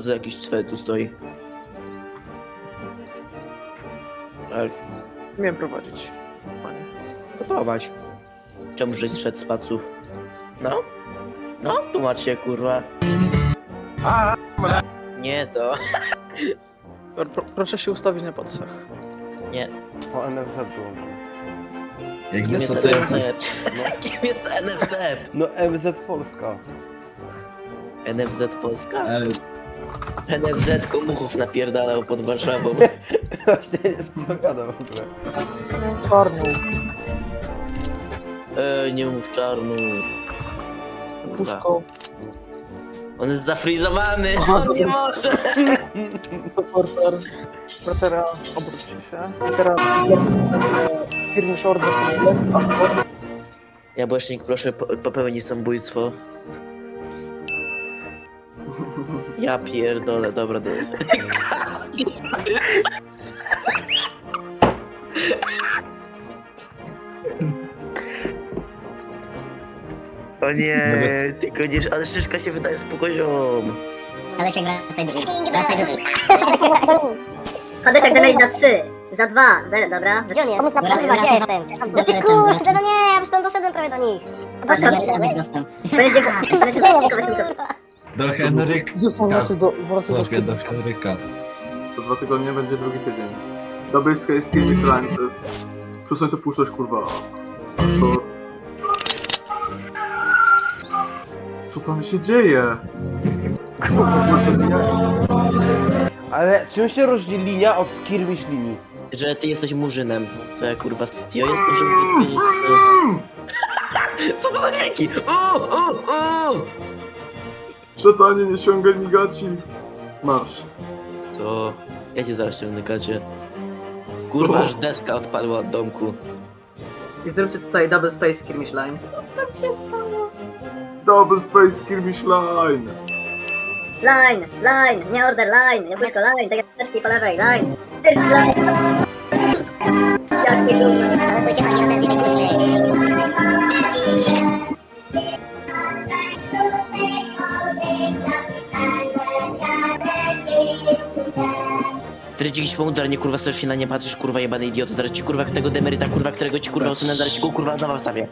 za jakiś cwel tu stoi? Ale Miałem prowadzić, panie. to prowadź. Czemu żeś zszedł z paców? No? No, tłumacz się, kurwa. Nie to. Proszę się ustawić na podsach. Nie. O NFZ dołączył. Jak Kim wiesz jest co to jest? NFZ? Kim jest NFZ? No MZ Polska. NFZ Polska? Ale NFZ komuchów napierdalał pod Warszawą. Właśnie nie wiem co gada w ogóle. Czarną. Nie mów czarnu. Puszką. On jest zafrizowany, on nie może. Supporter. Bratera, obróć się. I teraz firmy Shorter. Jabłecznik, proszę popełnij samobójstwo. Ja pierdolę, dobra. O nie, tylko nie, ale szyszka się wydaje spokojom. Hadesiak, wracaj do Hadesiak, dalej za 3, za 2, dobra? Gdzie on jest? Pomógł na przerwę, gdzie jestem? No ty kurde, no nie, ja już tam doszedłem prawie do nich. Będzie do Henryka. Wracaj do Mogę do Henryka. Za 2 tygodnie będzie drugi tydzień. Dobry z Kim Michelin to jest... Przestań to puszczać, kurwa. To... Co tam się dzieje? Ale czym się różni linia od skirmish linii? Że ty jesteś murzynem. Co ja kurwa stio jestem, żeby nie wiedzieć co to jest. Co to za dźwięki? Szatanie, nie ściągaj mi gaci. Marsz. To ja cię zaraz ciągnę, Kacie. Kurwa, aż deska odpadła od domku. I zróbcie tutaj double space skirmish line. Double Space Skirmish Line. Line, nie order, line, nie puszko, line, tak jak też po lewej, line. Tyrci line. Jakie gówno. Salutujcie fani rodezji, Ty dziś pomódr, nie kurwa stoisz się na nie patrzysz, kurwa jebany idioto. Zaraz ci kurwa tego demeryta, kurwa, którego ci kurwa usunę, zaraz ci go kurwa znowu wstawię.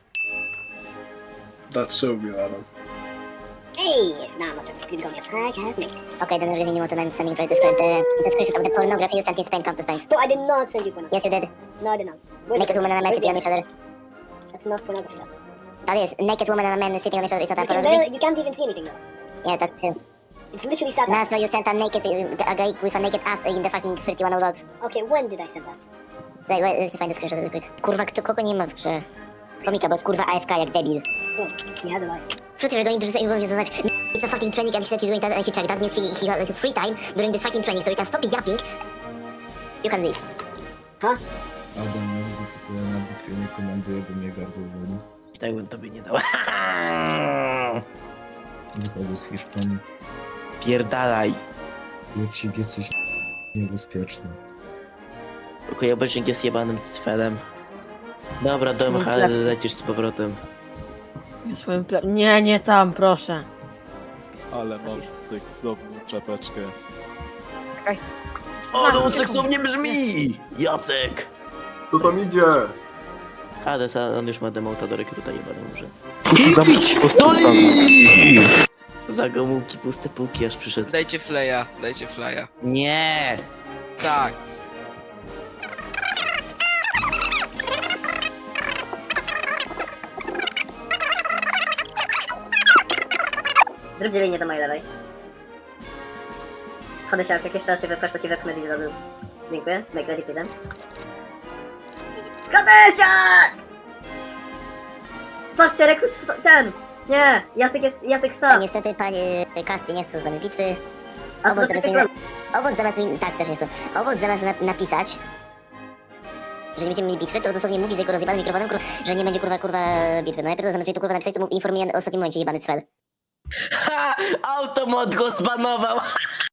That should be Adam. Hey! No, I'm not going to attack, has me. Okay, then everything you want and I'm sending for the screenshots of the pornography you sent in Spain countless times. No, I did not send you pornography. Yes, you did. No, I did not. Naked woman and a man sitting on each other. That's not pornography. That is. Naked woman and a man sitting on each other is not pornography. You can't even see anything though. Yeah, that's true. It's literally satire. Nah, so you sent a guy with a naked ass in the fucking 31 logs. Okay, when did I send that? Wait, let me find the screenshot really quick. Kurwa, kogo nie ma w grze? Komika, bo jest kurwa AFK jak debil. He has a life. Przecież going to say like, it's a fucking training and he said he's doing that and he checked. That means he had like free time during this fucking training so he can stop yapping. You can leave. Huh? Adam, ja sobie na bitwie nie komanduję, bo mnie gardło woli. I tak bym tobie nie dał. Wychodzę z Hiszpanii. Pierdalaj. Juksik, jesteś niebezpieczny. Okej, obecnik jest jebanym cfelem. Dobra, dom, ale lecisz z powrotem. Nie tam, proszę. Ale masz seksowną czapeczkę. O, to seksownie brzmi! Jacek! Co tam idzie? Hades, a on już ma demota do rekruta jebany może. Za gomułki, puste półki aż przyszedł. Dajcie flya. Nie! Tak. Zrób dzielenie do mojej lewej. Hadesiak, jak jeszcze raz się wypchasz, to ci wepchnę deal zrobił. Dziękuję, make ready please. Hadesiak! Patrzcie, rekrut ten! Nie, Jacek stał. Niestety panie Kasty nie chcą z nami bitwy. Owoc zamiast mi... Tak, też nie chcą. Owoc zamiast napisać, że nie będziemy mieli bitwy, to dosłownie mówi z jego rozjebanym mikrofonem, że nie będzie kurwa bitwy. No najpierw zamiast mi to kurwa napisać, to mu informuje o ostatnim momencie jebany cwel. Ha! Automod go zbanował!